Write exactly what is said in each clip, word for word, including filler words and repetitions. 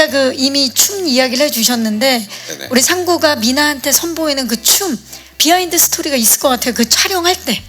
아까 그 이미 춤 이야기를 해주셨는데 네네. 우리 상구가 미나한테 선보이는 그 춤 비하인드 스토리가 있을 것 같아요. 그 촬영할 때.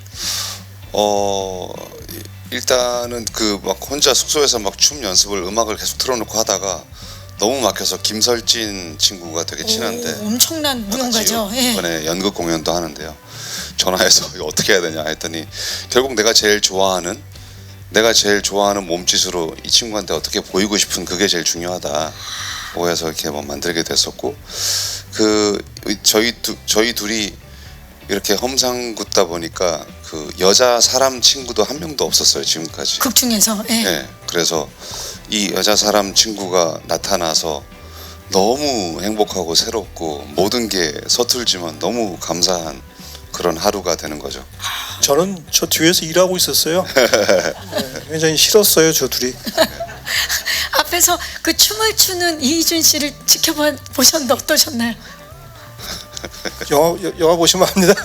어 일단은 그 막 혼자 숙소에서 막 춤 연습을 음악을 계속 틀어놓고 하다가 너무 막혀서 김설진 친구가 되게 친한데 오, 엄청난 무용가죠. 같이 예. 이번에 연극 공연도 하는데요. 전화해서 이거 어떻게 해야 되냐 했더니 결국 내가 제일 좋아하는 내가 제일 좋아하는 몸짓으로 이 친구한테 어떻게 보이고 싶은 그게 제일 중요하다. 오해서 이렇게 뭐 만들게 됐었고 그 저희 두, 저희 둘이 이렇게 험상궂다 보니까 그 여자 사람 친구도 한 명도 없었어요 지금까지. 극 중에서. 예. 네, 그래서 이 여자 사람 친구가 나타나서 너무 행복하고 새롭고 모든 게 서툴지만 너무 감사한 그런 하루가 되는 거죠. 저는 저 뒤에서 일하고 있었어요. 네, 굉장히 싫었어요 저 둘이. 앞에서 그 춤을 추는 이희준 씨를 지켜보셨는데 어떠셨나요? 영화 여- 영화 보시면 압니다.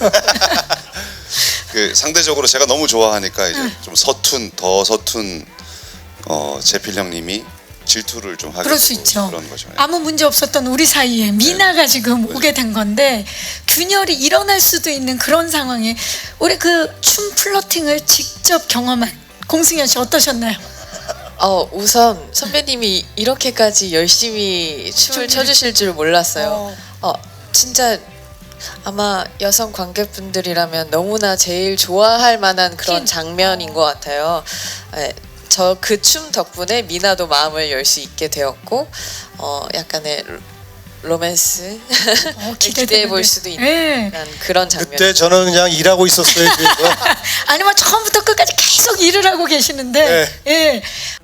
그 상대적으로 제가 너무 좋아하니까 이제 좀 서툰 더 서툰 어, 제필 형님이 질투를 좀 하게 그럴 수 되고 있죠. 그런 거죠. 예. 아무 문제 없었던 우리 사이에 미나가 지금 오게 된 건데 균열이 일어날 수도 있는 그런 상황에 우리 그 춤 플러팅을 직접 경험한 공승현 씨 어떠셨나요? 어, 우선 선배님이 이렇게까지 열심히 춤을 춰주실 줄 몰랐어요. 어, 진짜 아마 여성 관객분들이라면 너무나 제일 좋아할 만한 그런 장면인 것 같아요. 저 그 춤 덕분에 미나도 마음을 열 수 있게 되었고, 어, 약간의 로- 로맨스 어, 기대해 볼 수도 있는 예. 약간 그런 장면. 그때 저는 그냥 일하고 있었어요 뒤에서. 아니면 처음부터 끝까지 계속 일을 하고 계시는데 네. 예.